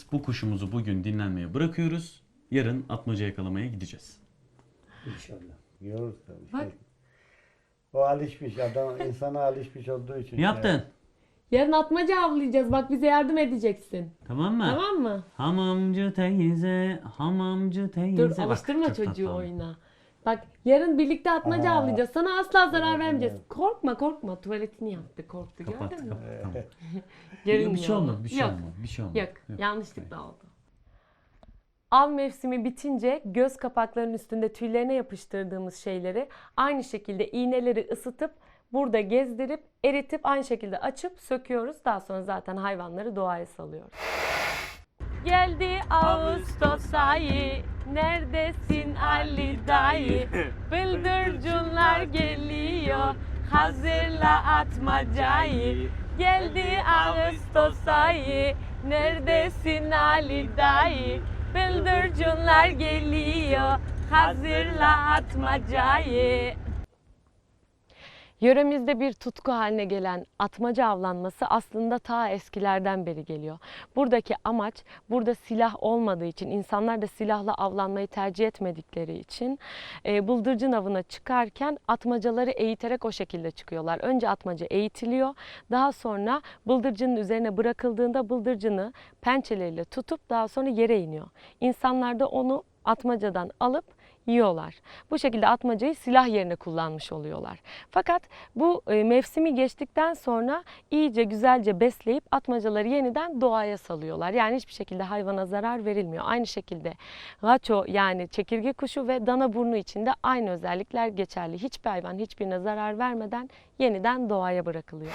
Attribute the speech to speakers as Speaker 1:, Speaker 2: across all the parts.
Speaker 1: Bu kuşumuzu bugün dinlenmeye bırakıyoruz. Yarın atmaca yakalamaya gideceğiz.
Speaker 2: İnşallah. Yiyoruz tabii.
Speaker 3: Bak.
Speaker 2: O alışmış adam, insana alışmış olduğu için.
Speaker 1: Ne yaptın?
Speaker 3: Yarın atmaca avlayacağız. Bak bize yardım edeceksin.
Speaker 1: Tamam mı?
Speaker 3: Tamam mı?
Speaker 1: Hamamcı teyze, hamamcı teyze.
Speaker 3: Dur
Speaker 1: Bak,
Speaker 3: alıştırma
Speaker 1: çok
Speaker 3: çocuğu
Speaker 1: tatlı.
Speaker 3: oyuna. Bak yarın birlikte atmaca
Speaker 2: Aa.
Speaker 3: avlayacağız. Sana asla zarar
Speaker 2: Evet,
Speaker 3: vermeyeceğiz.
Speaker 2: evet.
Speaker 3: Korkma korkma. Tuvaletini yaptı. Korktu
Speaker 1: Kapat,
Speaker 3: gördün mü?
Speaker 1: kapat. Tamam.
Speaker 3: Görünmüyor
Speaker 1: Bir şey
Speaker 3: ama.
Speaker 1: olmadı, bir şey
Speaker 3: Yok.
Speaker 1: olmadı. Bir şey olmadı.
Speaker 3: Yok. Yanlışlıkla oldu. Av mevsimi bitince göz kapaklarının üstünde tüylerine yapıştırdığımız şeyleri aynı şekilde iğneleri ısıtıp burada gezdirip eritip aynı şekilde açıp söküyoruz. Daha sonra zaten hayvanları doğaya salıyoruz. Geldi Ağustos ayı, neredesin Ali dayı? Bıldırcınlar geliyor, hazırla atmacayı. Geldi Ağustos ayı, neredesin Ali dayı? Bıldırcınlar geliyor, hazırla atmacayı. Yöremizde bir tutku haline gelen atmaca avlanması aslında ta eskilerden beri geliyor. Buradaki amaç, burada silah olmadığı için, insanlar da silahla avlanmayı tercih etmedikleri için bıldırcın avına çıkarken atmacaları eğiterek o şekilde çıkıyorlar. Önce atmaca eğitiliyor, daha sonra bıldırcının üzerine bırakıldığında bıldırcını pençeleriyle tutup daha sonra yere iniyor. İnsanlar da onu atmacadan alıp yiyorlar. Bu şekilde atmacayı silah yerine kullanmış oluyorlar. Fakat bu mevsimi geçtikten sonra iyice güzelce besleyip atmacaları yeniden doğaya salıyorlar. Yani hiçbir şekilde hayvana zarar verilmiyor. Aynı şekilde gaço yani çekirge kuşu ve danaburnu için de aynı özellikler geçerli. Hiçbir hayvan hiçbirine zarar vermeden yeniden doğaya bırakılıyor.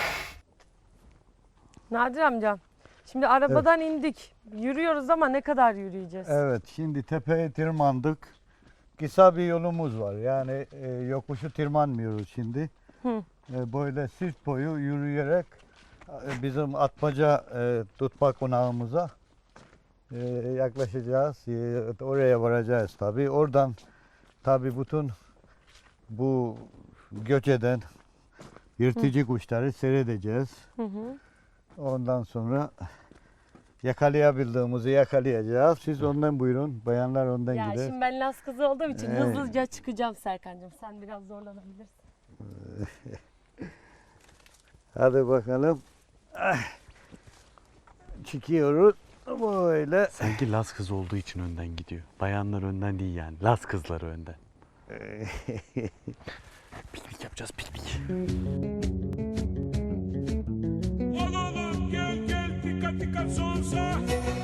Speaker 3: Nadir amca, şimdi arabadan indik. Yürüyoruz ama ne kadar yürüyeceğiz?
Speaker 2: Evet, şimdi tepeye tırmandık. Kısa bir yolumuz var. Yani yokuşu tırmanmıyoruz şimdi.
Speaker 3: Hı.
Speaker 2: Böyle sırt boyu yürüyerek bizim atmaca tutma konağımıza yaklaşacağız. Oraya varacağız tabii. Oradan tabii bütün bu göç eden yırtıcı kuşları seyredeceğiz.
Speaker 3: Hı hı.
Speaker 2: Ondan sonra yakalayabildiğimizi yakalayacağız. Siz ondan buyurun. Bayanlar ondan
Speaker 3: Ya
Speaker 2: gider.
Speaker 3: şimdi ben Laz kızı olduğum için
Speaker 2: Evet.
Speaker 3: hızlıca çıkacağım Serkan'cığım. Sen biraz zorlanabilirsin.
Speaker 2: Hadi bakalım. Ah. Çıkıyoruz. Böyle.
Speaker 1: Sanki Laz kızı olduğu için önden gidiyor. Bayanlar önden değil yani. Laz kızları önden. Piknik yapacağız, piknik.
Speaker 4: Oğlum gel gel dikkat dikkat sonsa.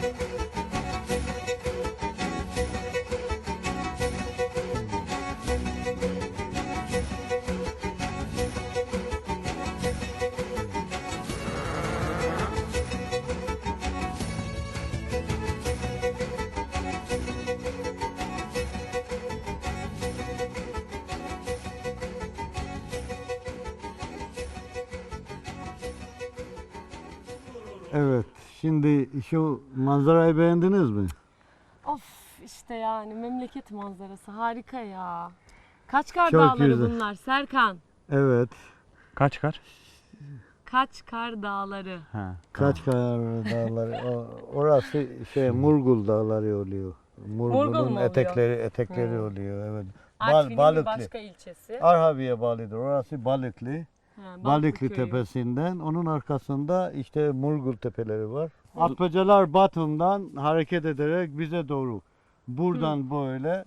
Speaker 2: Evet. Şimdi şu manzarayı beğendiniz mi?
Speaker 3: Of işte yani memleket manzarası harika ya. Kaçkar
Speaker 2: Çok
Speaker 3: Dağları
Speaker 2: güzel.
Speaker 3: bunlar Serkan.
Speaker 2: Evet.
Speaker 1: Kaç?
Speaker 3: Kaçkar Dağları.
Speaker 1: Ha.
Speaker 2: Kaçkar Dağları. Orası Murgul Dağları oluyor.
Speaker 3: Murgul mu
Speaker 2: Murgul'un
Speaker 3: oluyor?
Speaker 2: etekleri
Speaker 3: Hı.
Speaker 2: oluyor. Evet.
Speaker 3: Artvin'in bir
Speaker 2: Balıklı.
Speaker 3: başka ilçesi.
Speaker 2: Arhavi'ye bağlıdır. Orası Balıklı.
Speaker 3: Ha,
Speaker 2: Balıklı
Speaker 3: köyü.
Speaker 2: Tepesi'nden. Onun arkasında işte Murgul tepeleri var. Atmacalar batımdan hareket ederek bize doğru. Buradan böyle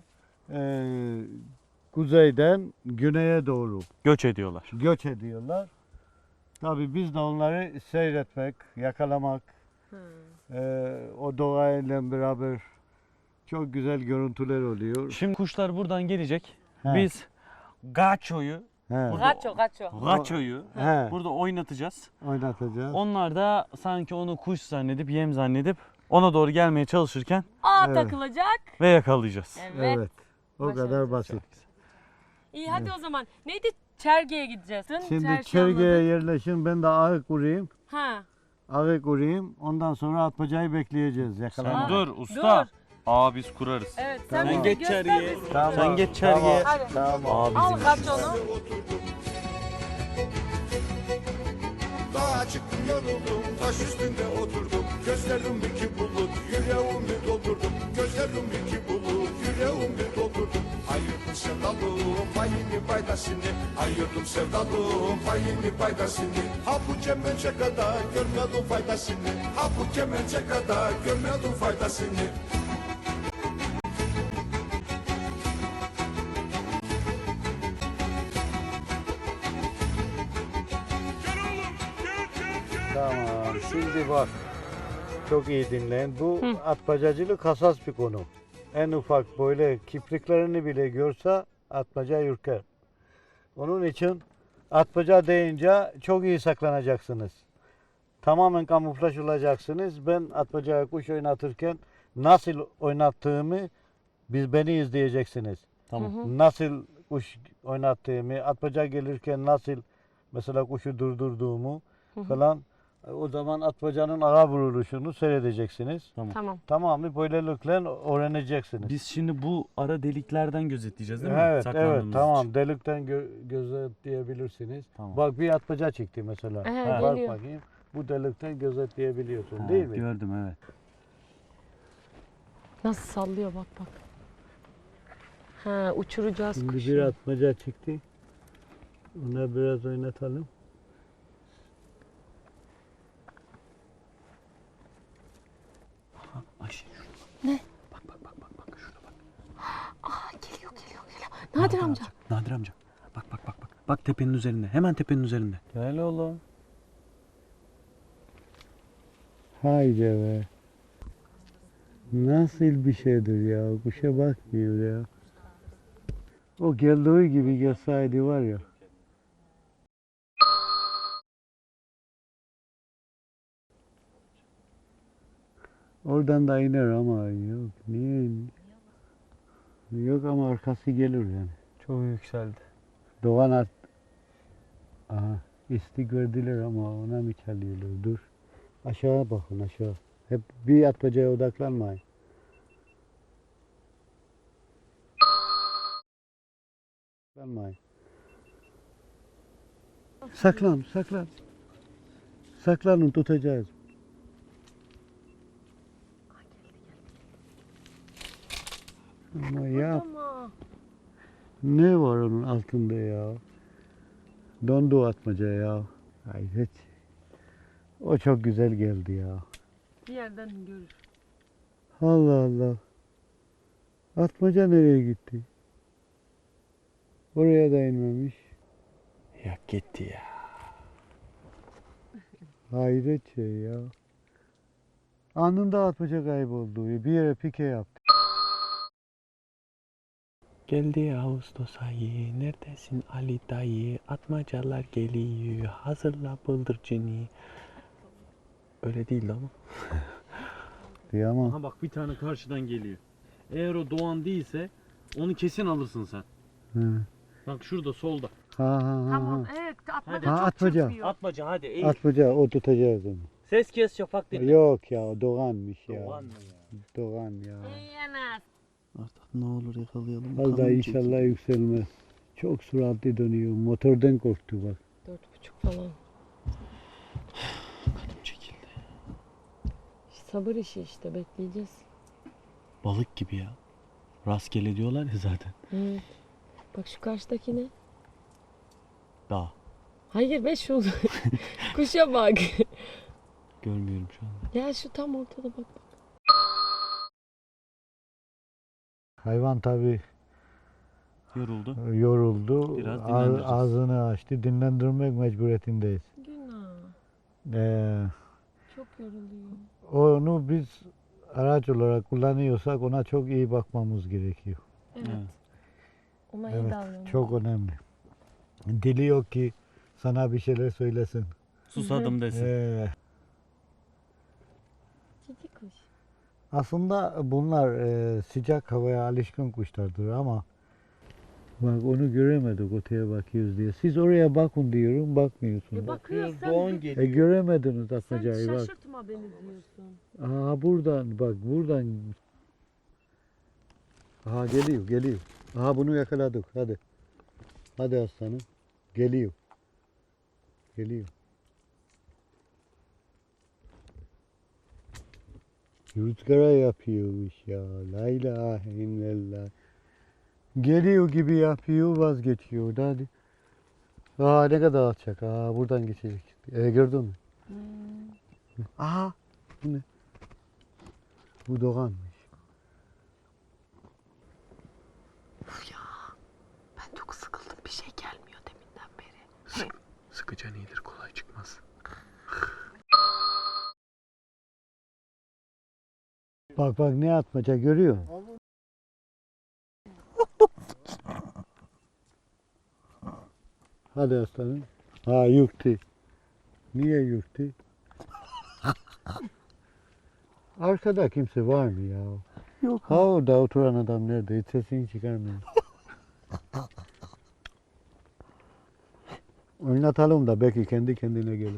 Speaker 2: kuzeyden güneye doğru
Speaker 1: Göç ediyorlar.
Speaker 2: göç ediyorlar. Tabii biz de onları seyretmek, yakalamak, o doğayla beraber çok güzel görüntüler oluyor.
Speaker 1: Şimdi kuşlar buradan gelecek.
Speaker 2: He.
Speaker 1: Biz Gaço'yu,
Speaker 2: He,
Speaker 1: Gaço'yu
Speaker 2: he,
Speaker 1: burada oynatacağız.
Speaker 2: oynatacağız.
Speaker 1: Onlar da sanki onu kuş zannedip, yem zannedip ona doğru gelmeye çalışırken
Speaker 3: Ağ
Speaker 2: Evet.
Speaker 3: takılacak.
Speaker 1: ve yakalayacağız.
Speaker 3: Evet.
Speaker 2: Evet. O
Speaker 3: Başaracağız.
Speaker 2: kadar basit.
Speaker 3: İyi hadi o zaman. Neydi? Çerge'ye gideceğiz.
Speaker 2: Şimdi
Speaker 3: Çerşi
Speaker 2: çergeye
Speaker 3: anladık.
Speaker 2: yerleşin. Ben de ağı kurayım.
Speaker 3: Ha.
Speaker 2: Ağı kurayım. Ondan sonra atmacayı bekleyeceğiz. Yakalanmak.
Speaker 1: Sen dur usta.
Speaker 3: Dur.
Speaker 1: Aa biz kurarız.
Speaker 3: Evet
Speaker 1: Sen
Speaker 3: bize
Speaker 1: geç
Speaker 3: göster
Speaker 1: çergiye.
Speaker 3: bizi.
Speaker 2: Tamam,
Speaker 1: Sen geç çergiye.
Speaker 3: Hadi.
Speaker 2: Tamam.
Speaker 1: Aa
Speaker 3: Al
Speaker 1: bizim
Speaker 3: kaç
Speaker 1: işimiz.
Speaker 3: onu.
Speaker 4: Dağa çıktım yoruldum, taş üstünde oturdum. Gözlerim iki bulut, faydasını. Ayırdım sevdalım payını paydasını. Ha bu kemence kadar görmedim faydasını. Ha bu kemence kadar görmedim faydasını. Gel oğlum gel.
Speaker 2: Tamam. Şimdi bak. Çok iyi dinleyin. Bu atmacacılık hassas bir konu. En ufak böyle kipriklerini bile görse atmaca ürker. Onun için atmaca deyince çok iyi saklanacaksınız. Tamamen kamuflaj olacaksınız. Ben atmacaya kuş oynatırken nasıl oynattığımı beni izleyeceksiniz.
Speaker 1: Tamam.
Speaker 2: Nasıl kuş oynattığımı, atmaca gelirken nasıl mesela kuşu durdurduğumu falan. O zaman atmacanın ağa vuruluşunu seyredeceksiniz.
Speaker 3: Tamam.
Speaker 2: Tamamı böylelikle öğreneceksiniz.
Speaker 1: Biz şimdi bu ara deliklerden gözetleyeceğiz değil mi?
Speaker 2: Evet, evet,
Speaker 1: Saklandığımız
Speaker 2: tamam.
Speaker 1: için.
Speaker 2: Delikten gözetleyebilirsiniz.
Speaker 1: Tamam.
Speaker 2: Bak bir atmaca çıktı mesela.
Speaker 3: Evet,
Speaker 2: Bak
Speaker 3: geliyor.
Speaker 2: bakayım. Bu delikten gözetleyebiliyorsun
Speaker 1: Ha,
Speaker 2: değil mi?
Speaker 1: Gördüm evet.
Speaker 3: Nasıl sallıyor bak. Ha, uçuracağız
Speaker 2: Şimdi
Speaker 3: kuşu.
Speaker 2: bir atmaca çıktı. Ona biraz oynatalım.
Speaker 1: Ayşe şurada.
Speaker 3: Ne?
Speaker 1: Bak şurada bak.
Speaker 3: Aa, geliyor. Nadir amca.
Speaker 1: Nadir amca. Bak. Bak tepenin üzerinde. Hemen tepenin üzerinde. Gel oğlum.
Speaker 2: Haydi be. Nasıl bir şeydir ya? Kuşa bakmıyor ya. O geldiği gibi gelseydi var ya. Oradan da iner ama yok. Niye iniyor? Yok ama arkası gelir yani.
Speaker 1: Çok yükseldi.
Speaker 2: Doğan at. Aha. İsti gördüler ama ona mı çalıyorlar? Dur. Aşağı bakın aşağı. Hep bir atmacaya odaklanmayın. Odaklanmayın. Saklan. Saklanın tutacağız. Ama ya
Speaker 3: Ama.
Speaker 2: ne var onun altında ya? Dondu atmaca ya. Hayret. O çok güzel geldi ya.
Speaker 3: Bir yerden görür.
Speaker 2: Allah Allah. Atmaca nereye gitti? Oraya da inmemiş.
Speaker 1: Ya gitti ya.
Speaker 2: Hayret şey ya. Anında atmaca kayboldu. Bir yere pike yaptı.
Speaker 1: Geldi Ağustos ayı, neredesin Ali dayı? Atmacalar geliyor, hazırla bıldırcını. Öyle değildi ama.
Speaker 2: Diye ama
Speaker 1: Aha bak bir tane karşıdan geliyor. Eğer o Doğan değilse onu kesin alırsın sen.
Speaker 2: hı.
Speaker 1: Bak şurada solda.
Speaker 2: Ha.
Speaker 3: Tamam, evet. Atmaca
Speaker 2: Ha,
Speaker 3: çok
Speaker 2: atmaca.
Speaker 3: çırpıyor.
Speaker 1: Atmaca hadi eğil.
Speaker 2: Atmaca o tutacağız onu.
Speaker 1: Ses kes şafak dinle.
Speaker 2: Yok ya Doğan'mış ya.
Speaker 1: Doğan mı ya?
Speaker 2: Doğan ya.
Speaker 3: Yiyemez.
Speaker 1: Artık ne olur yakalayalım.
Speaker 2: Az daha inşallah yükselmez. Çok süratli dönüyor. Motordan korktu bak.
Speaker 3: 4,5 falan.
Speaker 1: Kanım çekildi.
Speaker 3: Sabır işi işte, bekleyeceğiz.
Speaker 1: Balık gibi ya. Rastgele diyorlar ya zaten.
Speaker 3: Evet. Bak şu karşıdaki ne?
Speaker 1: Dağ.
Speaker 3: Hayır be şu. Kuşa bak.
Speaker 1: Görmüyorum şu anda.
Speaker 3: Ya şu tam ortada bak.
Speaker 2: Hayvan tabii
Speaker 1: Yoruldu.
Speaker 2: yoruldu.
Speaker 1: Biraz dinlendireceğiz.
Speaker 2: Ağzını açtı. Dinlendirmek mecburiyetindeyiz.
Speaker 3: Günah. Çok yoruluyor.
Speaker 2: Onu biz araç olarak kullanıyorsak ona çok iyi bakmamız gerekiyor.
Speaker 3: Evet.
Speaker 1: Evet.
Speaker 3: Ona iyi
Speaker 2: Evet,
Speaker 3: davranın.
Speaker 2: çok önemli. Dili yok ki sana bir şeyler söylesin.
Speaker 1: Susadım desin.
Speaker 3: Cici kuş.
Speaker 2: Aslında bunlar sıcak havaya alışkın kuşlardır ama bak onu göremedik öteye bakıyoruz diye. Siz oraya bakın diyorum bakmıyorsunuz.
Speaker 3: Bakıyoruz
Speaker 1: Doğan geliyor.
Speaker 2: Göremediniz
Speaker 3: sen
Speaker 2: atmacayı bak.
Speaker 3: şaşırtma beni diyorsun.
Speaker 2: Aha buradan bak buradan. Aha geliyor. Aha bunu yakaladık hadi. Hadi aslanım. Geliyor. Rüzgara yapıyormuş ya. La ilahe illallah. Geliyor gibi yapıyor vazgeçiyor. Hadi. Aa ne kadar alçak. Aa buradan geçecek. Gördün mü? Aha. Bu ne? Bu doğanmış.
Speaker 3: Ben çok sıkıldım. Bir şey gelmiyor deminden beri.
Speaker 2: Sıkıcan iyidir, kolay çıkmaz. Bak bak ne atmaca görüyor musun? Hadi aslanım. Ha yükti. Niye yükti? Arkada kimse var mı ya? Yok. Ha orada oturan adam nerede? Hiç sesini çıkarmıyor. Oynatalım da belki kendi kendine gelir.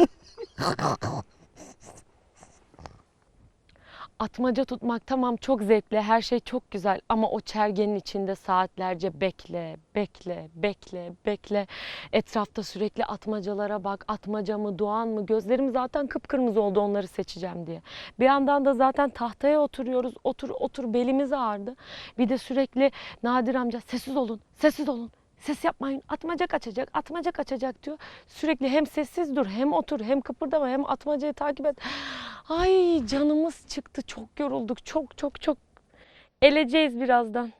Speaker 3: Atmaca tutmak tamam çok zevkli, her şey çok güzel ama o çergenin içinde saatlerce bekle, bekle, bekle, bekle. Etrafta sürekli atmacalara bak, atmaca mı, doğan mı? Gözlerim zaten kıpkırmızı oldu onları seçeceğim diye. Bir yandan da zaten tahtaya oturuyoruz, otur otur belimiz ağrıdı. Bir de sürekli Nadir amca sessiz olun, sessiz olun. Ses yapmayın, atmaca kaçacak, atmaca kaçacak diyor. Sürekli hem sessiz dur, hem otur, hem kıpırdama, hem atmacayı takip et. Ay canımız çıktı, çok yorulduk, çok çok çok. Eleceğiz birazdan.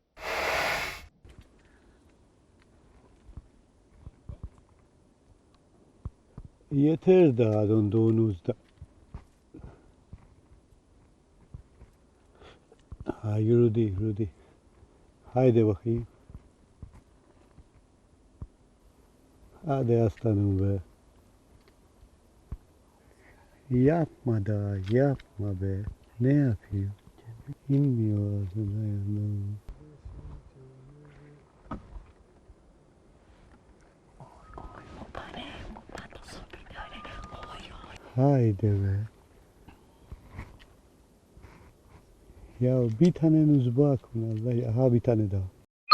Speaker 2: Yeter daha donduğunuzda. Ha yürüdü yürüdü. Haydi bakayım. Hadi aslanım be. Yapma da yapma be. Ne yapıyor? İnmiyor ağzına yanına. Haydi be. Ya bir taneniz bak Allah ya. Ha bir tane daha.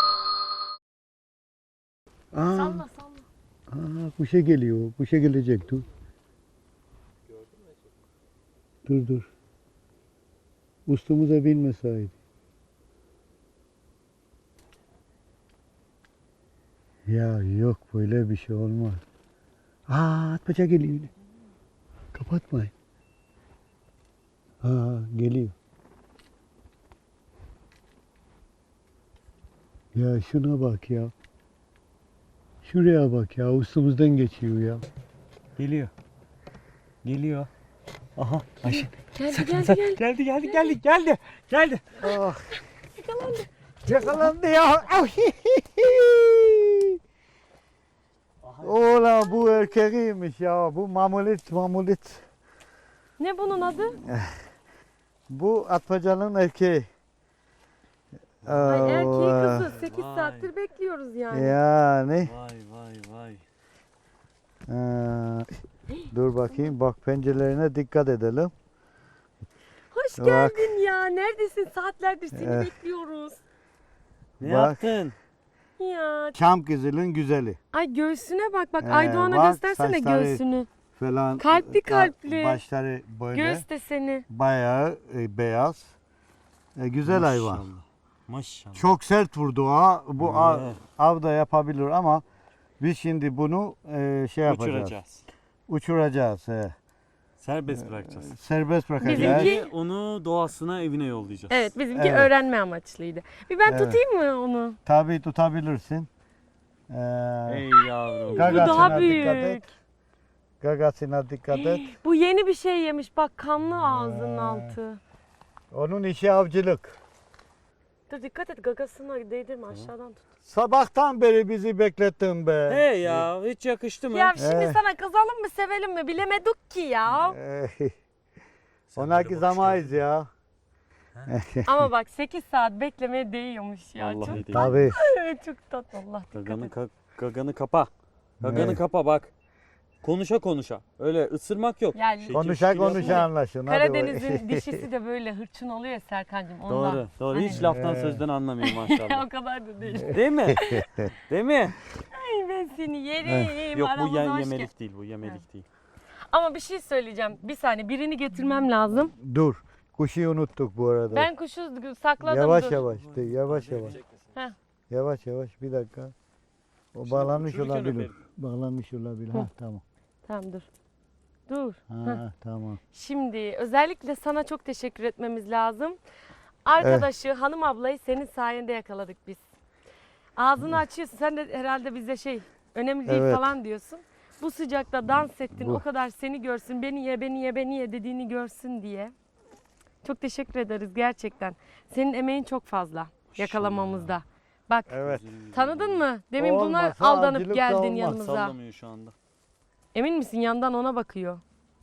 Speaker 2: Aa,
Speaker 3: Salla salla.
Speaker 2: kuşa geliyor. Kuşa gelecek dur. Dur dur. Üstümüze binmeseydi. Ya yok böyle bir şey olmaz. Atmaca geliyor yine. Kapatmayın. Geliyor. Ya şuna bak ya. Şuraya bak ya. Üstümüzden geçiyor ya.
Speaker 1: Geliyor. Geliyor. Aha Ayşe.
Speaker 3: Geldi geldi geldi.
Speaker 1: Geldi.
Speaker 2: Ah. Yakalandı ya. Ola bu erkeğiymiş ya. Bu mamulit.
Speaker 3: Ne bunun adı?
Speaker 2: Bu atmacanın erkeği.
Speaker 3: Ay erkeği
Speaker 2: Allah.
Speaker 3: kızı. 8
Speaker 1: Vay.
Speaker 3: saattir bekliyoruz yani.
Speaker 2: Yani.
Speaker 1: Vay.
Speaker 2: Dur bakayım. Bak pencerelerine dikkat edelim.
Speaker 3: Hoş
Speaker 2: Bak.
Speaker 3: geldin ya. Neredesin? Saatlerdir seni bekliyoruz.
Speaker 1: Ne
Speaker 2: Bak.
Speaker 1: yaptın?
Speaker 3: Ya.
Speaker 2: Çam kızılın güzeli
Speaker 3: Ay göğsüne bak bak.
Speaker 2: Ee,
Speaker 3: Aydoğan'a
Speaker 2: bak,
Speaker 3: göstersene
Speaker 2: saçları-
Speaker 3: göğsünü.
Speaker 2: falan.
Speaker 3: Kalpli kalpli.
Speaker 2: Başları böyle.
Speaker 3: Göğüs deseni.
Speaker 2: Bayağı beyaz. Güzel hayvan.
Speaker 1: Maşallah.
Speaker 2: Çok sert vurdu ha. Bu
Speaker 1: Evet.
Speaker 2: av da yapabilir ama biz şimdi bunu şey yapacağız.
Speaker 1: Uçuracağız.
Speaker 2: Uçuracağız.
Speaker 1: Serbest bırakacağız.
Speaker 2: Serbest bırakacağız.
Speaker 3: Bizimki-
Speaker 1: Ve onu doğasına evine yollayacağız.
Speaker 3: Evet bizimki
Speaker 2: Evet.
Speaker 3: öğrenme amaçlıydı. Bir ben
Speaker 2: Evet.
Speaker 3: tutayım mı onu?
Speaker 2: Tabii tutabilirsin.
Speaker 1: Ey yavrum.
Speaker 3: Bu
Speaker 2: Gagasına
Speaker 3: daha
Speaker 2: dikkat
Speaker 3: büyük.
Speaker 2: et. Gagasına dikkat et.
Speaker 3: Bu yeni bir şey yemiş. Bak kanlı ağzının altı.
Speaker 2: Onun işi avcılık.
Speaker 3: Dur dikkat et gagasına değdirme aşağıdan tut.
Speaker 2: Sabahtan beri bizi beklettin be.
Speaker 1: Hey ya hiç yakıştı mı?
Speaker 3: Ya şimdi
Speaker 2: Eh.
Speaker 3: sana kızalım mı sevelim mi bilemedik ki ya.
Speaker 2: Onaki zamayız ya.
Speaker 3: Ama bak 8 saat beklemeye değiyormuş ya.
Speaker 1: Vallahi
Speaker 3: Çok,
Speaker 1: değil.
Speaker 2: Tabii.
Speaker 3: çok tatlı Allah dikkat
Speaker 1: Gaganı,
Speaker 3: et.
Speaker 1: gaganı kapa. Gaganı
Speaker 2: Evet.
Speaker 1: kapa bak. Konuşa. Öyle ısırmak yok.
Speaker 3: Yani
Speaker 1: Şekil
Speaker 2: Konuşa
Speaker 1: şukul yapma.
Speaker 2: konuşa anlaşın. Hadi
Speaker 3: Karadeniz'in dişisi de böyle hırçın oluyor ya Serkancığım ondan.
Speaker 1: Doğru. Hiç
Speaker 3: Hani-
Speaker 1: laftan sözden anlamıyor maşallah.
Speaker 3: O kadar da değil.
Speaker 1: Değil mi? Değil mi?
Speaker 3: Ay ben seni yerim.
Speaker 1: Yok bu
Speaker 3: aramıza hoş gel-
Speaker 1: yemelik değil. Bu yemelik değil.
Speaker 3: Ama bir şey söyleyeceğim. Bir saniye birini getirmem lazım.
Speaker 2: Dur. Kuşu unuttuk bu arada.
Speaker 3: Ben kuşu sakladım.
Speaker 2: Yavaş
Speaker 3: dur.
Speaker 2: yavaş. Yavaş yavaş.
Speaker 3: Heh.
Speaker 2: Yavaş yavaş bir dakika. O bağlanmış
Speaker 1: uçururken
Speaker 2: olabilir.
Speaker 1: öperim.
Speaker 2: Bağlanmış olabilir. Ha tamam.
Speaker 3: Tamam dur. Dur.
Speaker 2: Ha tamam.
Speaker 3: Şimdi özellikle sana çok teşekkür etmemiz lazım. Arkadaşı hanım ablayı senin sayende yakaladık biz. Ağzını açıyorsun. Sen de herhalde bize önemli değil
Speaker 2: Evet.
Speaker 3: falan diyorsun. Bu sıcakta dans ettin.
Speaker 2: Bu.
Speaker 3: O kadar seni görsün. Beni ye, beni ye, beni ye dediğini görsün diye. Çok teşekkür ederiz gerçekten. Senin emeğin çok fazla yakalamamızda. Bak
Speaker 2: Evet.
Speaker 3: tanıdın mı? Demin buna
Speaker 2: Olmasa
Speaker 3: aldanıp
Speaker 2: avcılık da
Speaker 3: geldin
Speaker 2: olmaz.
Speaker 3: yanımıza.
Speaker 1: Sallamıyor şu anda.
Speaker 3: Emin misin? Yandan ona bakıyor.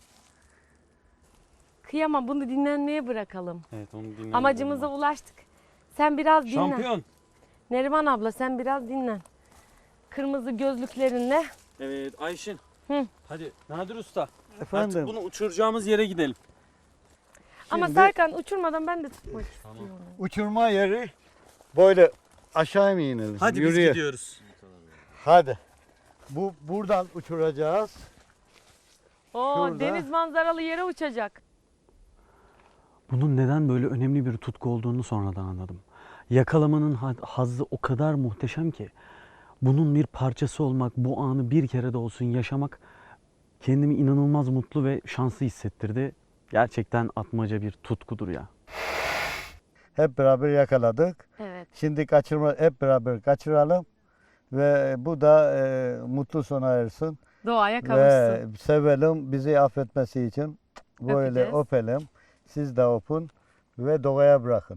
Speaker 3: Kıyamam, bunu dinlenmeye bırakalım.
Speaker 1: Evet onu dinleyelim.
Speaker 3: Amacımıza ulaştık. Sen biraz dinlen.
Speaker 1: Şampiyon.
Speaker 3: Neriman abla sen biraz dinlen. Kırmızı gözlüklerinle.
Speaker 1: Evet Ayşin.
Speaker 3: Hı.
Speaker 1: Hadi Nadir Usta.
Speaker 2: Efendim.
Speaker 1: Artık bunu uçuracağımız yere gidelim.
Speaker 3: Ama
Speaker 2: Şimdi-
Speaker 3: Serkan uçurmadan ben de tutmak istiyorum.
Speaker 2: Uçurma yeri böyle aşağı mı inelim?
Speaker 1: Hadi biz
Speaker 2: Yürüye.
Speaker 1: gidiyoruz.
Speaker 2: Hadi. Buradan uçuracağız.
Speaker 3: Oo,
Speaker 2: Şurada.
Speaker 3: deniz manzaralı yere uçacak.
Speaker 1: Bunun neden böyle önemli bir tutku olduğunu sonradan anladım. Yakalamanın hazzı o kadar muhteşem ki bunun bir parçası olmak, bu anı bir kere de olsun yaşamak kendimi inanılmaz mutlu ve şanslı hissettirdi. Gerçekten atmaca bir tutkudur ya.
Speaker 2: Hep beraber yakaladık.
Speaker 3: Evet.
Speaker 2: Şimdi hep beraber kaçıralım. Ve bu da mutlu sona ersin.
Speaker 3: Doğaya
Speaker 2: Ve
Speaker 3: kavuşsun.
Speaker 2: sevelim, bizi affetmesi için böyle
Speaker 3: Öpeceğiz.
Speaker 2: öpelim. Siz de öpün ve doğaya bırakın.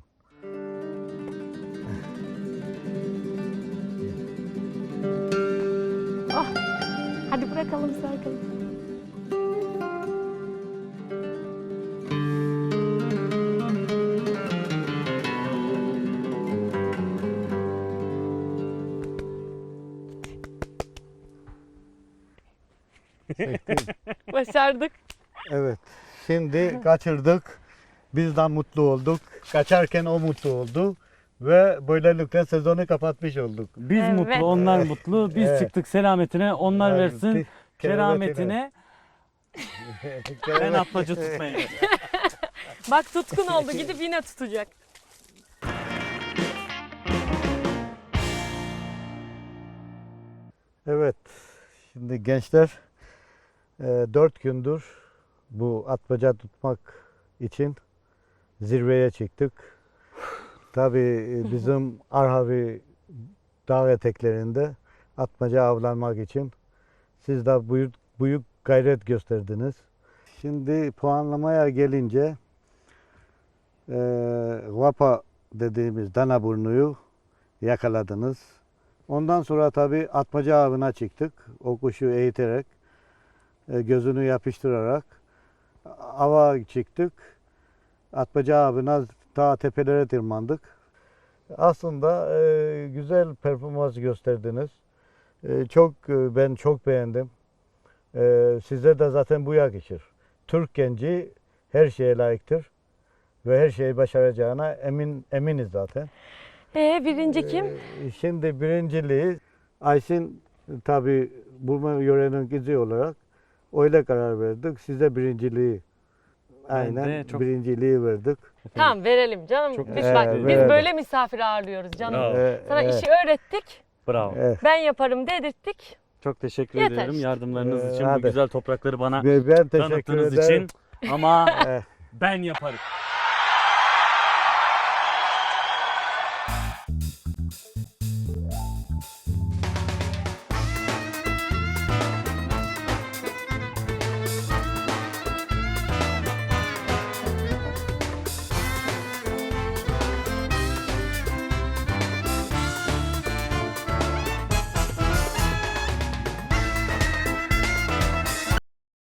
Speaker 3: Oh, hadi bırakalım Serkan. Başardık.
Speaker 2: Evet. Şimdi kaçırdık. Biz de mutlu olduk. Kaçarken o mutlu oldu. Ve böylelikle sezonu kapatmış olduk.
Speaker 1: Biz
Speaker 3: Evet.
Speaker 1: mutlu, onlar mutlu. Biz
Speaker 2: Evet.
Speaker 1: çıktık selametine, onlar
Speaker 2: Evet.
Speaker 1: versin kerametine. Ben atmaca tutmayayım.
Speaker 3: Bak tutkun oldu, gidip yine tutacak.
Speaker 2: Evet. Şimdi gençler 4 gündür bu atmaca tutmak için zirveye çıktık. Tabii bizim Arhavi dağ eteklerinde atmaca avlanmak için siz de büyük gayret gösterdiniz. Şimdi puanlamaya gelince Vapa dediğimiz danaburnuyu yakaladınız. Ondan sonra tabii atmaca avına çıktık. O kuşu eğiterek, gözünü yapıştırarak ava çıktık. Atmaca avına ta tepelere tırmandık. Aslında güzel performans gösterdiniz. Ben çok beğendim. Size de zaten bu yakışır. Türk genci her şeye layıktır ve her şeyi başaracağına eminiz zaten.
Speaker 3: Birinci kim?
Speaker 2: Şimdi birinciliği Ayşin tabi Burma yörenin kızı olarak öyle karar verdik. Size birinciliği
Speaker 1: Ben de
Speaker 2: aynen
Speaker 1: çok-
Speaker 2: birinciliği verdik.
Speaker 3: Tamam verelim canım.
Speaker 1: Çok
Speaker 3: Biz,
Speaker 1: teşekkür
Speaker 3: bak,
Speaker 1: ederim.
Speaker 3: biz
Speaker 2: Evet.
Speaker 3: böyle misafir ağırlıyoruz canım.
Speaker 1: Bravo.
Speaker 3: Sana
Speaker 2: Evet,
Speaker 3: işi öğrettik.
Speaker 1: Bravo.
Speaker 2: evet.
Speaker 3: Ben yaparım dedirttik.
Speaker 1: Çok teşekkür
Speaker 3: Yeter.
Speaker 1: ederim yardımlarınız için, bu
Speaker 2: Hadi.
Speaker 1: güzel toprakları bana
Speaker 2: Ben teşekkür
Speaker 1: tanıttığınız
Speaker 2: ederim.
Speaker 1: için. Ama
Speaker 2: Eh.
Speaker 1: ben yaparım.